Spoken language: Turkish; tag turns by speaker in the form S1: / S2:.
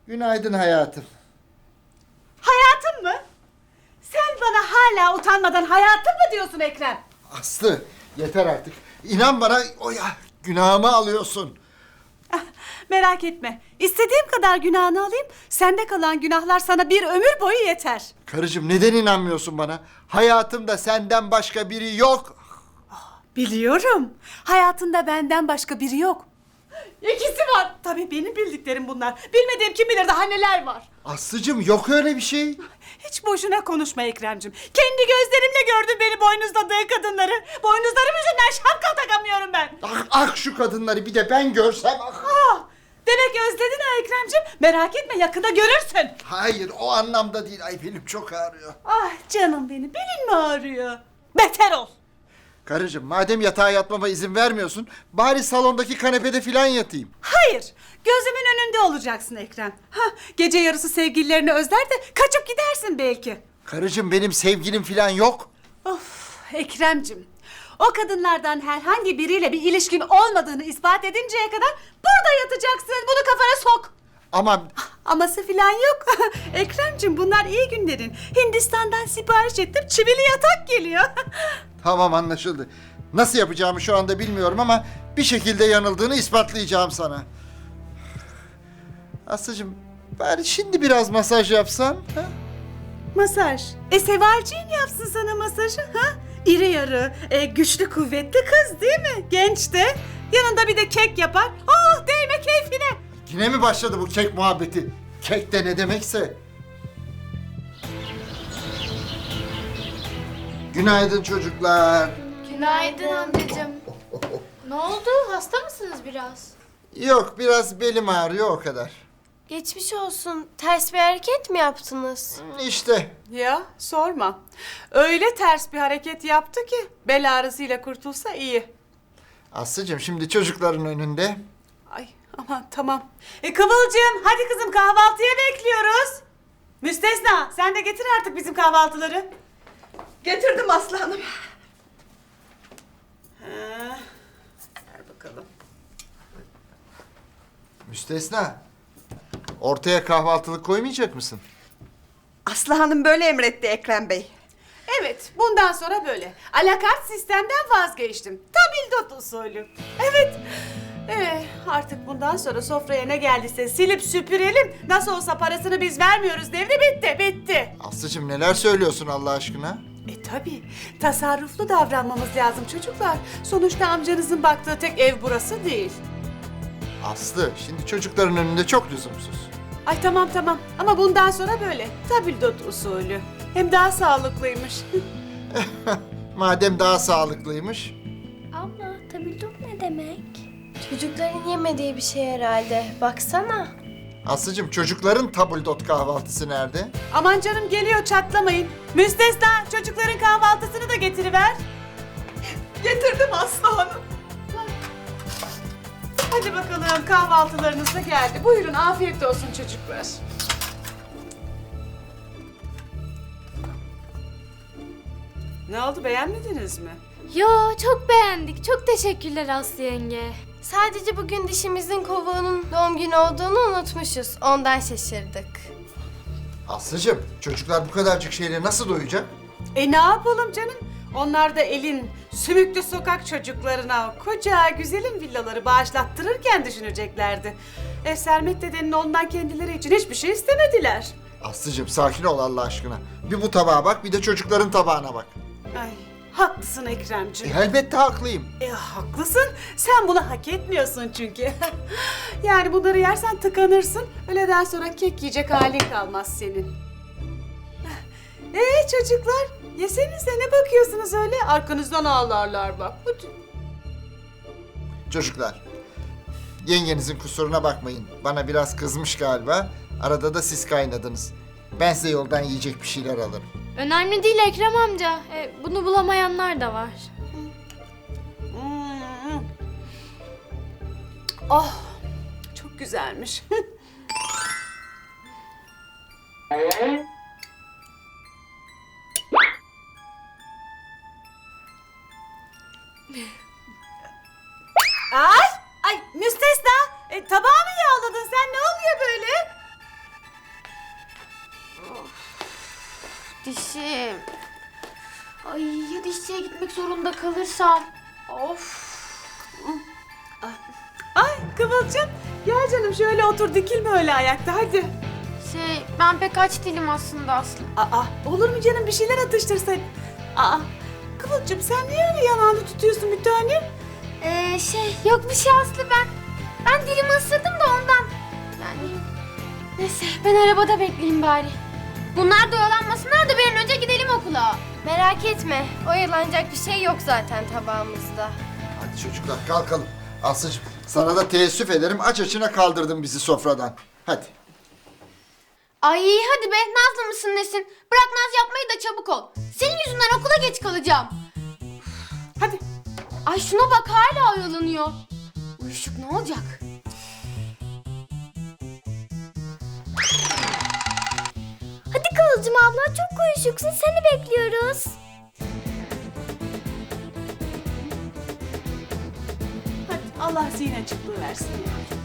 S1: Günaydın hayatım.
S2: Hayatım mı? Sen bana hala utanmadan hayatım mı diyorsun Ekrem?
S1: Aslı yeter artık. İnan bana günahımı alıyorsun.
S2: Ah, merak etme. İstediğim kadar günahını alayım. Sende kalan günahlar sana bir ömür boyu yeter.
S1: Karıcığım neden inanmıyorsun bana? Hayatımda senden başka biri yok.
S2: Biliyorum. Hayatında benden başka biri yok. İkisi var. Tabii benim bildiklerim bunlar. Bilmediğim kim bilir daha neler var.
S1: Aslıcığım yok öyle bir şey.
S2: Hiç boşuna konuşma Ekrem'cim. Kendi gözlerimle gördüm beni boynuzladığı kadınları. Boynuzlarım yüzünden şapka takamıyorum ben.
S1: Ah şu kadınları bir de ben görsem.
S2: Ah, demek özledin ha Ekrem'cim. Merak etme yakında görürsün.
S1: Hayır o anlamda değil. Ay benim çok ağrıyor.
S2: Ah canım benim, belin mi ağrıyor? Beter ol.
S1: Karıcığım madem yatağa yatmama izin vermiyorsun, bari salondaki kanepede filan yatayım.
S2: Hayır, gözümün önünde olacaksın Ekrem. Ha, gece yarısı sevgililerini özler de kaçıp gidersin belki.
S1: Karıcığım benim sevgilim filan yok.
S2: Of Ekrem'cim, o kadınlardan herhangi biriyle bir ilişkin olmadığını ispat edinceye kadar burada yatacaksın. Bunu kafana sok.
S1: Ama
S2: Aması filan yok. Ekrem'cim bunlar iyi günlerin. Hindistan'dan sipariş ettim, çivili yatak geliyor.
S1: tamam anlaşıldı. Nasıl yapacağımı şu anda bilmiyorum ama bir şekilde yanıldığını ispatlayacağım sana. Aslıcığım bari şimdi biraz masaj yapsan. Ha?
S2: Masaj. Sevalciğin yapsın sana masajı ha? İri yarı, güçlü kuvvetli kız değil mi? Genç de. Yanında bir de kek yapar. Oh değme keyfine.
S1: Yine mi başladı bu kek muhabbeti? Kek de ne demekse. Günaydın çocuklar.
S3: Günaydın amcacığım. Ne oldu? Hasta mısınız biraz?
S1: Yok biraz belim ağrıyor o kadar.
S3: Geçmiş olsun. Ters bir hareket mi yaptınız?
S1: İşte
S2: Ya sorma. Öyle ters bir hareket yaptı ki bel ağrısıyla kurtulsa iyi.
S1: Aslıcığım şimdi çocukların önünde.
S2: Ay aman tamam. Kıvılcım hadi kızım kahvaltıya bekliyoruz. Müstesna sen de getir artık bizim kahvaltıları.
S4: Getirdim aslanım.
S2: Ver bakalım.
S1: Müstesna. Ortaya kahvaltılık koymayacak mısın?
S4: Aslı Hanım böyle emretti Ekrem Bey.
S2: Evet, bundan sonra böyle. Alakart sistemden vazgeçtim. Tabildot usulü. Evet. Artık bundan sonra sofraya ne geldiyse silip süpürelim. Nasıl olsa parasını biz vermiyoruz devri bitti.
S1: Aslıcığım neler söylüyorsun Allah aşkına?
S2: Tabii. Tasarruflu davranmamız lazım çocuklar. Sonuçta amcanızın baktığı tek ev burası değil.
S1: Aslı şimdi çocukların önünde çok lüzumsuz.
S2: Ay tamam ama bundan sonra böyle. Tabildot usulü. Hem daha sağlıklıymış.
S1: Madem daha sağlıklıymış.
S3: Abla, tabildot ne demek? Çocukların yemediği bir şey herhalde. Baksana.
S1: Aslıcığım çocukların tabuldot kahvaltısı nerede?
S2: Aman canım geliyor çatlamayın. Müstesna çocukların kahvaltısını da getiriver.
S4: Getirdim Aslı Hanım.
S2: Hadi bakalım kahvaltılarınız da geldi. Buyurun afiyet olsun çocuklar. Ne oldu beğenmediniz mi?
S3: Yo, çok beğendik. Çok teşekkürler Aslı yenge. Sadece bugün dişimizin kovuğunun doğum günü olduğunu unutmuşuz. Ondan şaşırdık.
S1: Aslıcığım çocuklar bu kadarcık şeyle nasıl doyacak?
S2: Ne yapalım canım? Onlar da elin sümüklü sokak çocuklarına koca güzelim villaları bağışlattırırken düşüneceklerdi. Sermet dedenin ondan kendileri için hiçbir şey istemediler.
S1: Aslıcığım sakin ol Allah aşkına. Bir bu tabağa bak bir de çocukların tabağına bak.
S2: Ay haklısın Ekremciğim.
S1: Elbette haklıyım.
S2: Haklısın. Sen bunu hak etmiyorsun çünkü. Yani bunları yersen tıkanırsın. Öğleden sonra kek yiyecek halin kalmaz senin. Çocuklar, yesenize ne bakıyorsunuz öyle? Arkanızdan ağlarlar bak. Hadi.
S1: Çocuklar yengenizin kusuruna bakmayın. Bana biraz kızmış galiba. Arada da siz kaynadınız. Ben size yoldan yiyecek bir şeyler alırım.
S3: Önemli değil Ekrem amca. Bunu bulamayanlar da var.
S2: Oh, çok güzelmiş. Ay müstesna. Tabağı mı yağladın sen? Ne oluyor böyle?
S3: işe gitmek zorunda kalırsam. Of.
S2: Ay Kıvılcım, gel canım şöyle otur, dikilme öyle ayakta hadi.
S3: Ben pek aç değilim aslında Aslı.
S2: Aa, olur mu canım, bir şeyler atıştırsaydın. Aa, Kıvılcım sen niye öyle yanağını tutuyorsun bir tanem?
S3: Yok bir şey Aslı ben dilimi ısırdım da ondan. Yani neyse ben arabada bekleyeyim bari. Bunlar da oyalanmasınlar da bir an önce gidelim okula. Merak etme oyalanacak bir şey yok zaten tabağımızda.
S1: Hadi çocuklar kalkalım. Aslıcığım sana da teessüf ederim. Aç açına kaldırdın bizi sofradan. Hadi.
S3: Ay hadi be Nazlı mısın nesin? Bırak naz yapmayı da çabuk ol. Senin yüzünden okula geç kalacağım.
S2: Hadi.
S3: Ay şuna bak hala oyalanıyor. Uyuşuk ne olacak? Hadi Kıvılcım abla çok uyuşuksun seni bekliyoruz.
S2: Hadi Allah zihin açıklığı versin ya.